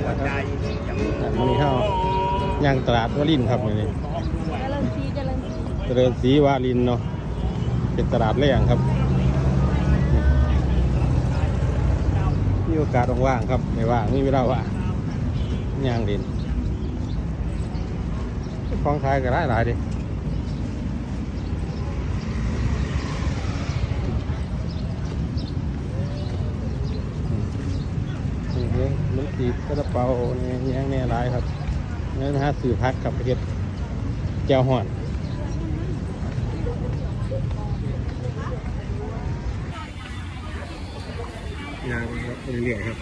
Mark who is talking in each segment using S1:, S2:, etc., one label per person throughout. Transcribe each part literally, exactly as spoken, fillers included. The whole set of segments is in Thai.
S1: วันนี้เข้าย่างตลาดวารินครับวันนี้เจริญศรีวารินเนาะเป็นตลาดแรงครับมีโอกาสว่างๆครับไม่ว่างมีเวลาว่างย่างเด่นคลองท้ายก็หลายหลายดิมันตีกระเป๋าเนี่ยย่างเนี่ยหลายครับนี่นะฮะสื่อพักกับประเทศเจ้าห่อนย่างครับเรื่อยๆครับ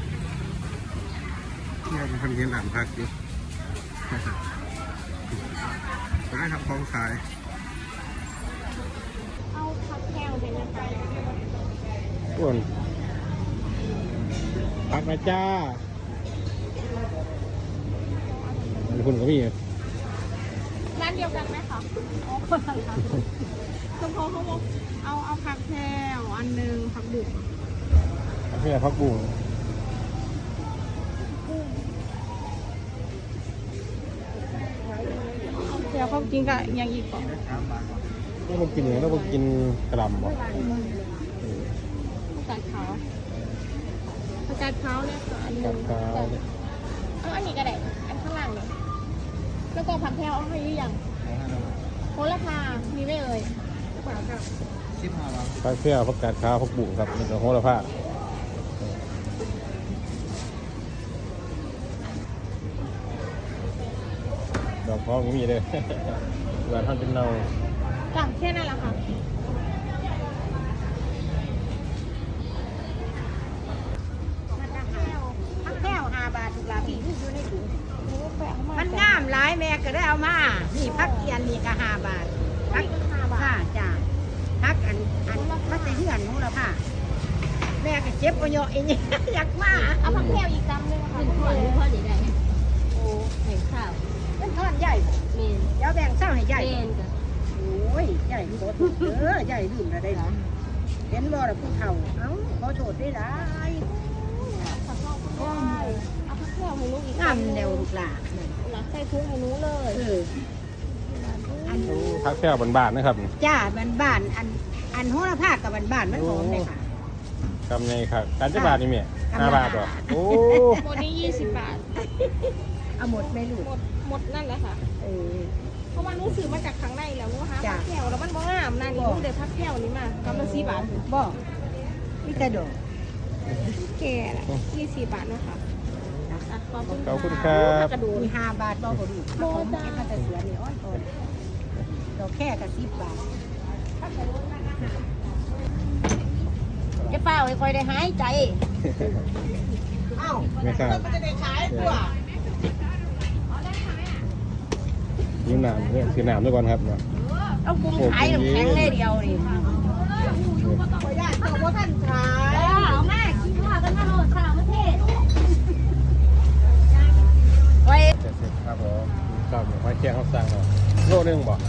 S1: ย่างทำเย็นหลามพักอยู่ร้านทำคลองขาย
S2: เอาผักแก้วเป็นยังไง
S1: อ้วนพักนะจ้าคุณก็มี
S2: ร้านเดียวกันไหมคะอ๋อคนละร้านคุณพ่อเขาบอกเอาเอาผักแก้วอันหนึ่งผักบุก
S1: พักแค่พักบุ้ง
S2: เดี๋ยวเขากินกับยังอีกก่อน
S1: ต้องมากินเหนือต้องมากินกระลำบ่
S2: ผักกาดขาวผักกาดขาวเนี่ยอันนึงเอาอันนี้ก็ได้อันข้างล่างเนี่ยแล้วก็ผักแก้วเอาให้ยังโหระพามีไม่เอ่ย
S1: พักแค่พักกาดขาวพักบุ้งครับมันจะโหระพาดอกพร้อมมีเลยหวานท่านเป็นเนา
S2: จังแค่นั้นแหละค่ะ
S3: พักแก้วห้าบาทถูกลาพี่อยู่ในถุงมันงามหลายแม่ก็ได้เอามานี่พักเกียนนี่ก็ห้าบาทพักห้าบาทจ้าพักอันอันพักในเฮือนของเราค่ะแม่ก็เจ็บก็เยอะเองอยากมา
S2: เอาผักแก้วอีกจำนึงค่ะพ่อหรือพ่อหรือไงโอ้แบ่งข้าว
S3: เป็นก้อนใหญ่
S2: เมน
S3: เดี๋ยวแบ่งเศร้าให้ใหญ่
S2: เมนจ้ะ
S3: โอ้ยใหญ่หมดเออใหญ่ลืมแล้วได้หรอเห็นบ่ล่ะผู้เฒ่าเอ้าขอโทษได้หลาย
S2: ผักข้าวก็ได้เอาผักแก้วให้ลูกอีก
S3: งามเดียวลูกหลาน
S2: หลักใส่ถุงให้หนูเลย
S3: เออ
S1: อันพักแค่บานๆนะครับ
S3: จ้าบ้านๆอันอันโหระพากับบ้านๆมันหอมเลยค่ะ
S1: กำไงครับการจะบาทนี่เมียห้าบาทหรอโอ้
S2: หมดนี้ยี่สิบบาท
S3: เอาหมดไม่ลูก
S2: หมดหมดนั่นแหละค่ะ
S3: เออ
S2: เพราะว่านู้ซื้อมาจากข้างในแล้วนู้หาผักแก้วแล้วมันบ้องามนั่นนู้เดี๋ยวผักแก้วนี้มากำลังสี่บาท
S3: บ่นี่กระโดด
S2: แก่ละยี่สิบบาทนะคะ
S1: ขอบคุณครับ
S3: กระดูกมีห้าบาทบ่กระดูกโบจ้าก็จะเสียนี่อ้อนอ่อนดอกแค่กับสิบบาทจะเปล่าให้คอยได้หายใจเอ้า
S1: ไม่ครับ
S3: จะได้ขายตัว
S1: ยิ้มหนามเนี่ยคือหนามด้วยก่อนครับเนาะ
S3: เอากุ้งขายแข็งเลยเดียวนี่คอยได้ตัวว่าท่านขาย
S2: เอาแม่คิดว่ากันมาโหลดสาวประเทศ
S3: ไว้
S1: ครับผมชอบหอยเชียงเขาสั่งเนาะโลนึงบ่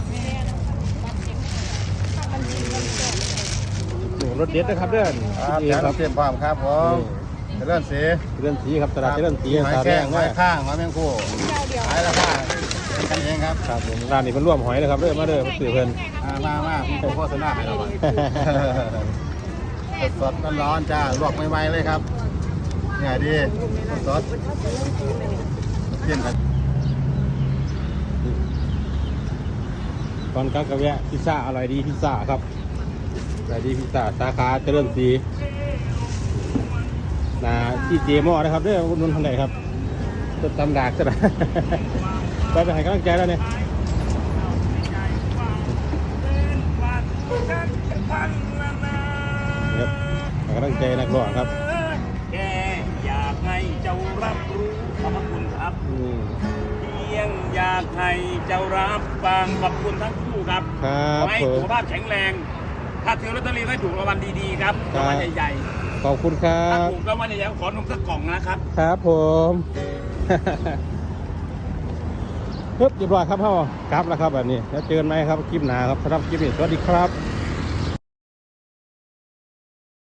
S1: รถเด็ดนะครับเดิน
S4: ครับเตรียมความครับผมเลื่อนสี
S1: เลื่อนสีครับตลาดเลื่อนสี
S4: หอยแข้งหอยข้างหอยแมงคู่ขายราคาเป็นกันเองครับ
S1: ครับผมร้านนี้เพิ่นร่วมหอยเลยครับเด้อมาเด้อสื่อเพิ่น
S4: มามาพี่โฆษณาให้เราสดๆร้อนๆจ้าลวกใหม่ๆเลยครับเนี่ยดีสดเปลี่ยนกัน
S1: ตอนกลางกระแวะพิซซ่าอร่อยดีพิซซ่าครับอร่อยดีพิซซ่าสาขาเจริญศรีนะที่เจมอนะครับเด้อคุณนุ่นทันใดครับจะตำดากจะได้ไปไปให้กำลังใจแล้วเนี่ยครับให้กำลังใจนักร้องครับ
S5: แกอยากให้เจ้ารับรู้ขอบคุณครับเพียงอยากให้เจ้ารับฟังขอบคุณทั้งคู่ครับขอให้สุขภาพแข็งแรงถ้าถือลอตเตอรี่ให้ถูกรางวัลดีๆครับรางวัลใหญ่
S1: ๆขอบคุณครับ
S5: ถูกรางวัลใหญ่ๆขอนมสักกล่องนะครับ
S1: ครับผมเรียบร้อยครับพ่อครับแล้วครับแบบนี้แล้วเจอกันไหมครับคลิปหน้าครับสำหรับคลิปนี้สวัสดีครับ